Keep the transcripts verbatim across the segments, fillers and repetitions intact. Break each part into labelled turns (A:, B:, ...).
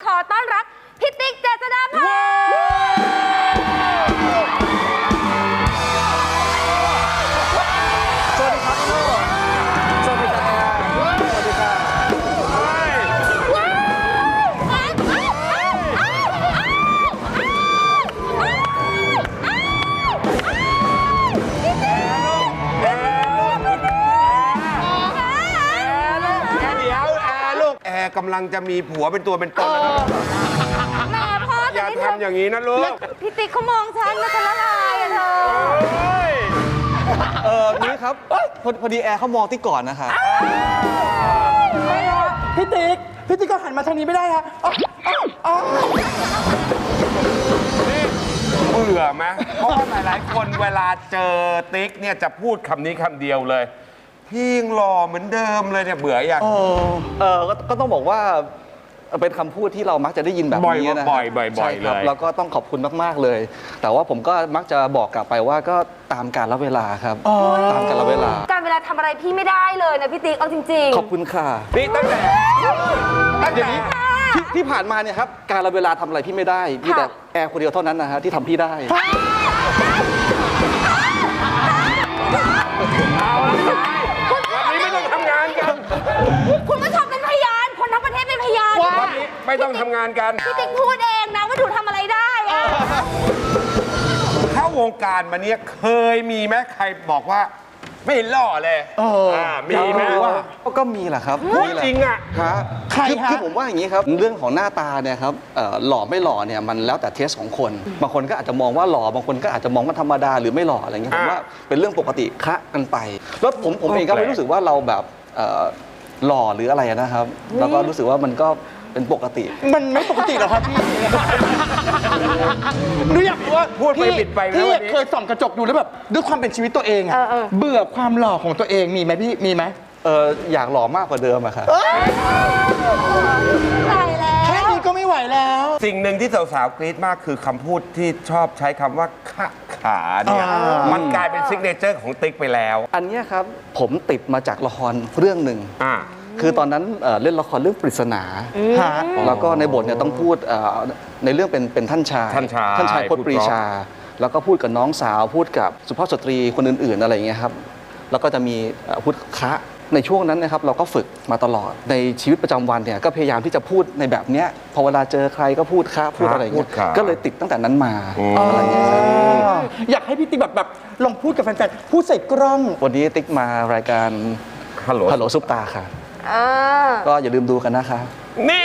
A: อต้อนรับพี่ติ๊กเจษฎาพร
B: สวัสดีครับโน่สวัสดีครับสวัสดีครับ
C: แอร์กำลังจะมีผัวเป็นตัวเป็นตนแล้วนะ
A: แม่พ่อ
C: อย่าทำอย่างนี้นะลูก
A: พี่ติ๊กเขามองฉันนะฉันละลายอะเธอ
B: เออนี่ครับพอพอดีแอร์เขามองที่ก่อนนะคะ
D: พี่ติ๊กพี่ติ๊กก็หันมาทางนี้ไม่ได้ฮะอ๋ออ๋อ
C: เบื่อไหมเพราะว่าหลายๆคนเวลาเจอติ๊กเนี่ยจะพูดคำนี้คำเดียวเลยพี่ยังหล่อเหมือนเดิมเลยเนี่ยเบื่ออย่าง
B: เออก็ก็ต้องบอกว่าเป็นคำพูดที่เรามักจะได้ยินแบบนี้นะ
C: บ่อยบ่อยบ่อย
B: ใช่ครับ
C: เลย
B: แล้วก็ต้องขอบคุณมากๆเลย แต่ว่าผมก็มักจะบอกกลับไปว่าก็ตามกาลเวลาครับตามกาลเวลา
A: การเวลาทำอะไรพี่ไม่ได้เลยนะพี่ติ๊กเอาจริงๆ
B: ขอบคุณค่ะ
C: นี่ตั้งแต่ตั้งแต่
B: ที่ที่ผ่านมาเนี่ยครับการเวลาทำอะไรพี่ไม่ได้พี่แต่แอร์คนเดียวเท่านั้นนะฮะที่ทำพี่ได้
C: วันนี้ไม่ต้องทำงานกัน
A: คุณผู้ชมเป็นพยานคนทั้งประเทศเป็นพยาน
C: วันนี้ไม่ต้องทำงานกัน
A: พี่ติ๊กพูดเองนะว่าหนูทำอะไรได้อะ
C: เข้าวงการมาเนี่ยเคยมีไหมใครบอกว่าไม่หล่อเลยอ่ามีไหม
B: ก็มีแหละครับ
C: พูด
B: มีแหละ
C: จริงอ่ะ
B: ฮะ
D: ใคร
B: คือ
D: ฮะ
B: คือผมว่าอย่างนี้ครับเรื่องของหน้าตาเนี่ยครับเอ่อหล่อไม่หล่อเนี่ยมันแล้วแต่เทสของคน บางคนก็อาจจะมองว่าหล่อบางคนก็อาจจะมองว่าธรรมดาหรือไม่หล่ออะไรเงี้ยผมว่าเป็นเรื่องปกติคะกันไปแล้วผมผมเองก็ไม่รู้สึกว่าเราแบบเอ่อหล่อหรืออะไรนะครับ แล้วก็รู้สึกว่ามันก็เป็นปกติ
D: มันไม่ปกติหรอครับพี่หนูอยากรู้ว่า
C: พูดไป
D: พี่
C: ปิดไปนะ
D: พี่
C: วันนี้
D: เคยส่องกระจกดูแล้วแบบด้วยความเป็นชีวิตตัวเองอะเบื่อความหล่อของตัวเองมีไหมพี่มีไหม
B: เอออยากหล่อมากกว่าเดิมอะครับ
A: ตายแล้
D: แค่
A: ว
D: นี้ก็ไม่ไหวแล้ว
C: สิ่งหนึ่งที่สาวๆกรี๊ดมากคือคำพูดที่ชอบใช้คำว่าขะขาเนี่ย
D: อ่ามั
C: มันกลายเป็นซิกเนเจอร์ของติ๊กไปแล้ว
B: อันเนี้ยครับผมติดมาจากละครเรื่องหนึ่ง
C: อ่า
B: คือตอนนั้นเอ่อเล่นละครเรื่องปริศนา
D: ฮะ
B: แล้วก็ในบทเนี่ยต้องพูดเอ่อในเรื่องเป็นเป็นท่านชาย
C: ท่านชาย
B: ท่านชายพจ
C: พู
B: น์
C: ด
B: ปรีชา แล้วก็พูดกับน้องสาวพูดกับสุภาพสตรีคนอื่นๆอะไรอย่างเงี้ยครับแล้วก็จะมีเอ่อพูดคะในช่วงนั้นนะครับเราก็ฝึกมาตลอดในชีวิตประจำวันเนี่ยก็พยายามที่จะพูดในแบบเนี้ยพอเวลาเจอใครก็พูดคะพูดอะไรอย่าง
C: พู
B: เงี้
C: ด
B: ย
C: คะ
B: ก็เลยติดตั้งแต่นั้นมา
C: อืม
B: อะไรอย่างเงี้ยครับ
D: อยากให้พี่ติ๊กแบบแบบลองพูดกับแฟนๆพูดใส่กล้อง
B: วันนี้ติ๊กมารายการ
C: ฮัลโหล
B: ฮัลโหลซุปตาค่ะ
A: เออ
B: ก็อย่าลืมดูกันนะคะ
C: นี่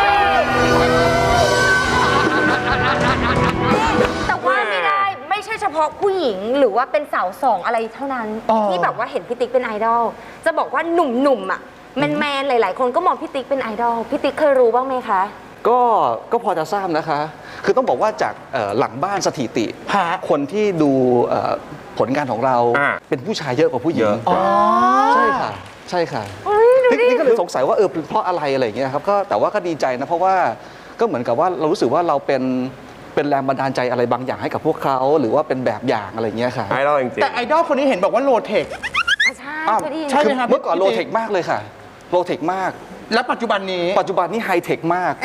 A: แต่ว่าไม่ได้ไม่ใช่เฉพาะผู้หญิงหรือว่าเป็นสาวสองอะไรเท่านั้น
D: อ๋อ
A: ที่แบบว่าเห็นพี่ติ๊กเป็นไอดอลจะบอกว่าหนุ่มๆอ่ะแมนๆหลาย ๆ คนก็มองพี่ติ๊กเป็นไอดอลพี่ติ๊กเคยรู้บ้างไหมคะ
B: ก็ก็พอจะทราบนะคะ คือต้องบอกว่าจากเอ่อหลังบ้านสถิติ
D: ฮะ
B: คนที่ดูเอ่อผลงานของเรา
C: อ่า
B: เป็นผู้ชายเยอะกว่าผู้หญิง
C: เยอะ
D: อ๋อ
B: ใช่ค่ะ ใช่ค่ะ
A: เฮ้ยดู
B: นี่
A: ดิ
B: นี่ก็เลยสงสัยว่าเออเป็นเพราะอะไรอะไรอย่างเงี้ยครับก็แต่ว่าก็ดีใจนะเพราะว่าก็เหมือนกับว่าเรารู้สึกว่าเราเป็นเป็นแรงบันดาลใจอะไรบางอย่างให้กับพวกเขาหรือว่าเป็นแบบอย่างอะไรอย่างเงี้ยค่ะ
C: ไอดอลจริง
D: แต่ไอดอลคนนี้เห็นบอกว่าโลเทค
A: อ่ะใช่
B: อ้าว
A: เคยได้ยิน
D: ใช่ไหมครับ
B: เมื่อก่อน
D: พี่
B: โล
D: ติ๊ก
B: เทคมากเลยค่ะโลเทคมาก
D: แล้วปัจจุบันนี้
B: ปัจจุบันนี้ไฮเทคมาก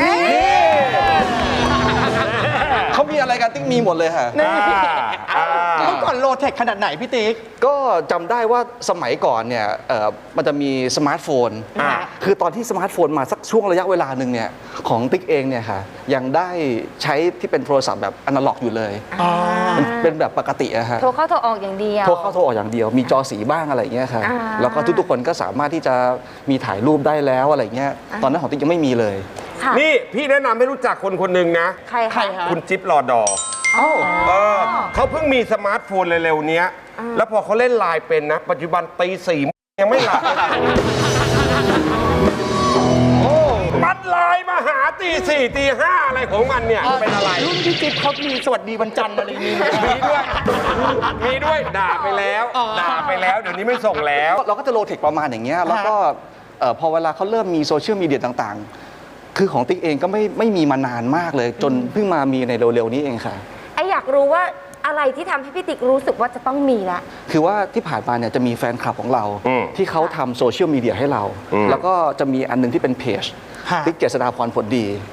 B: เขามีอะไรกันติ๊กมีหมดเลยค่ะ
D: นี่
C: อ่า
D: เมื่อก่อนโลเทคขนาดไหนพี่ติ๊ก
B: ก็จำได้ว่าสมัยก่อนเนี่ยเอ่อมันจะมีสมาร์ทโฟน
C: อ่า
B: คือตอนที่สมาร์ทโฟนมาสักช่วงระยะเวลาหนึ่งเนี่ยของติ๊กเองเนี่ยค่ะยังได้ใช้ที่เป็นโทรศัพท์แบบอนาล็อกอยู่เลยมันเป็นแบบปกติอะฮะ
A: โทรเข้าโทรออกอย่างเดียว
B: โทรเข้าโทรออกอย่างเดียว มีจอสีบ้างอะไรอย่างเงี้ยค่ะ
A: อ่า
B: แล้วก็ทุกๆคนก็สามารถที่จะมีถ่ายรูปได้แล้วอะไรเงี้ยตอนนั้นของติ๊กยังไม่มีเลย
A: ค่ะ
C: นี่พี่แนะนำให้รู้จักคนคนหนึ่งนะ
A: ใคร
D: ใคร
A: คะ
D: ฮะ
C: คุณจิ๊บรอดอ
B: เอ้า
C: เออเขาเพิ่งมีสมาร์ทโฟนเร็วๆเนี้ย แล้วพอเขาเล่นไลน์เป็นนะ ปัจจุบันตีสี่ยังไม่หลับโอ้มันไลน์มาหาตีสี่ตีห้าอะไรของมันเนี่ย เป็นอะไร
D: รุ่นพี่จิ๊บเขามีสวัสดีวันจันทร์อะไรอย่างนี้ไหม
C: มีด้วย มีด้วย ด่าไปแล้ว
D: อ๋อ
C: ด่าไปแล้ว เดี๋ยวนี้ไม่ส่งแล้ว
B: เราก็จะโลเทคประมาณอย่างเงี้ยแล้วก็เอ่อพอเวลาเขาเริ่มมีโซเชียลมีเดียต่างๆ คือของติ๊กเองก็ไม่ไม่มีมานานมากเลย จนเพิ่งมามีในเร็วๆนี้เองค่ะ
A: ไออยากรู้ว่าอะไรที่ทำให้พี่ติ๊กรู้สึกว่าจะต้องมีละ
B: คือว่าที่ผ่านมาเนี่ยจะมีแฟนคลับของเรา
C: อืม
B: ที่เขาทำโซเชียลมีเดียให้เรา
C: อืม
B: แล้วก็จะมีอันหนึงที่เป็นเพจ
D: ฮะ
B: ติ๊กเจษฎาพรผลดี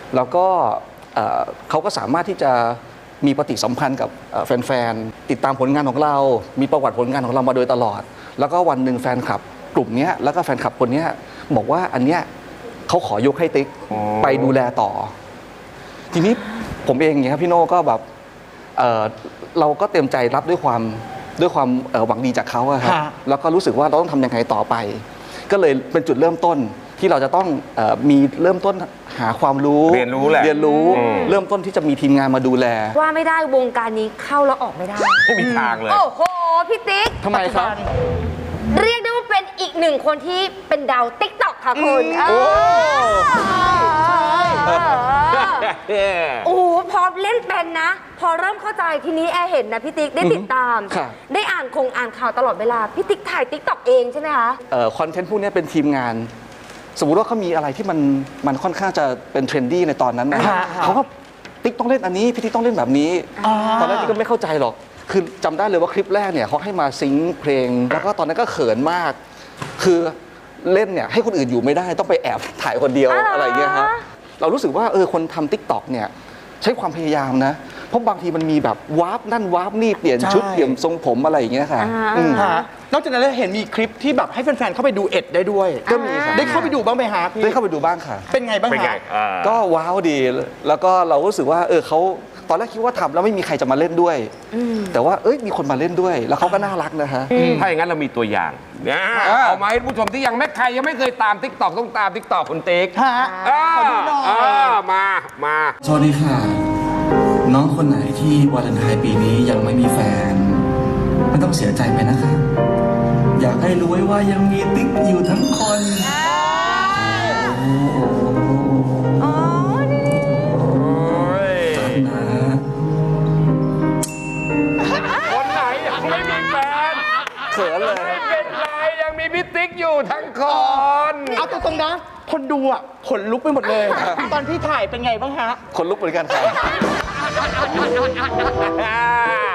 B: แล้วก็เอ่อเขาก็สามารถที่จะมีปฏิสัมพันธ์กับเอ่อแฟนๆติดตามผลงานของเรา มีประวัติผลงานของเรามาโดยตลอด แล้วก็วันหนึ่งแฟนคลับกลุ่มเนี้ยแล้วก็แฟนคลับคนเนี้ยบอกว่าอันเนี้ยเขาขอยกให้ติ๊ก
C: อ๋อ
B: ไปดูแลต่อ ทีนี้ผมเองเนี่ยครับพี่โน่ก็แบบเอ่อเราก็เต็มใจรับด้วยความด้วยความเอ่อหวังดีจากเขาอะครับ
D: ฮะ
B: แล้วก็รู้สึกว่าเราต้องทำยังไงต่อไป ก็เลยเป็นจุดเริ่มต้นที่เราจะต้องเออมีเริ่มต้นหาความรู้
C: เรียนรู้แหละ
B: เรียนรู้
C: อืม
B: เริ่มต้นที่จะมีทีมงานมาดูแล
A: ว่าไม่ได้วงการนี้เข้าแล้วออกไม่ได้
C: ไม่มีทางเลย
A: โอ้โห พี่ติ๊ก
B: ทำไมครับ
A: เรียกได้ว่าเป็นอีกหนึ่งคนที่เป็นดาวติ๊กต็อกค่ะคุณเออเออเออโอ้โหพอเล่นเป็นนะ พอเริ่มเข้าใจทีนี้แอร์เห็นนะพี่ติ๊กได้ติดตาม
B: ครับ
A: ได้อ่านคงอ่านข่าวตลอดเวลา พี่ติ๊กถ่ายติ๊กต็อกเองใช่ไหมคะ
B: คอนเทนต์พวกนี้เป็นทีมงาน สมมุติว่าเขามีอะไรที่มันมันค่อนข้างจะเป็นเทรนดี้ในตอนนั้นนะ
D: ฮะ
B: เขาก็ติ๊กต้องเล่นอันนี้พี่ติ๊กต้องเล่นแบบนี้
D: อ่า
B: ตอนแรกพี่ก็ไม่เข้าใจหรอก คือจำได้เลยว่าคลิปแรกเนี่ยเขาให้มาซิงค์เพลง แล้วก็ตอนนั้นก็เขินมาก คือเล่นเนี่ยให้คนอื่นอยู่ไม่ได้ต้องไปแอบถ่ายคนเดียว
A: อ๋ออ
B: อะไรเงี้ยครับเรารู้สึกว่าเออคนทำติ๊กต็อกเนี่ยใช้ความพยายามนะ เพราะบางทีมันมีแบบวาร์ปนั่นวาร์ปนี่เปลี่ยนชุด
D: ใช่
B: เปลี่ยนทรงผมอะไรอย่างเงี้ยค่ะ
A: อ่า
B: อืม
D: ฮะนอกจากนั้นเราเห็นมีคลิปที่แบบให้แฟนๆเข้าไปดูเอ็ดได้ด้วย
B: ก็มีครับ
D: ได้เข้าไปดูบ้างไหมฮะพี่
B: ได้เข้าไปดูบ้างค่ะ
D: เป็นไงบ้าง
C: เป็นไง
D: ฮะ
C: อ่า
B: ก็ว้าวดี แล้วก็เรารู้สึกว่าเออเขาตอนแรกคิดว่าทำแล้วไม่มีใครจะมาเล่นด้วย แต่ว่าเอ้ยมีคนมาเล่นด้วย แล้วเขาก็น่ารักนะฮะ
C: ถ้าอย่างนั้นเรามีตัวอย่างนะ
B: อ่า
C: เอามาให้ผู้ชมที่ยังไม่ใครยังไม่เคยตามทิกตอกต้องตามทิกตอกคุณติ๊ก
D: ฮะ
C: อ่า
D: ขอดูหน่อย
C: อ่ามามา
B: สวัสดีค่ะ น้องคนไหนที่วาเลนไทน์ปีนี้ยังไม่มีแฟน ไม่ต้องเสียใจไปนะคะ อยากให้รู้ไว้ว่ายังมีติ๊กอยู่ทั้งคนโอ้รักนะ
C: คนไหนยังไม่มีแฟน
B: เขินเลย
C: ไม่เป็นไรยังมีพี่ติ๊กอยู่ทั้งคน
D: เอาตรงๆนะ คนดูอ่ะขนลุกไปหมดเลย ตอนที่ถ่ายเป็นไงบ้างฮะ
B: คนลุกเหมือนกันค่ะ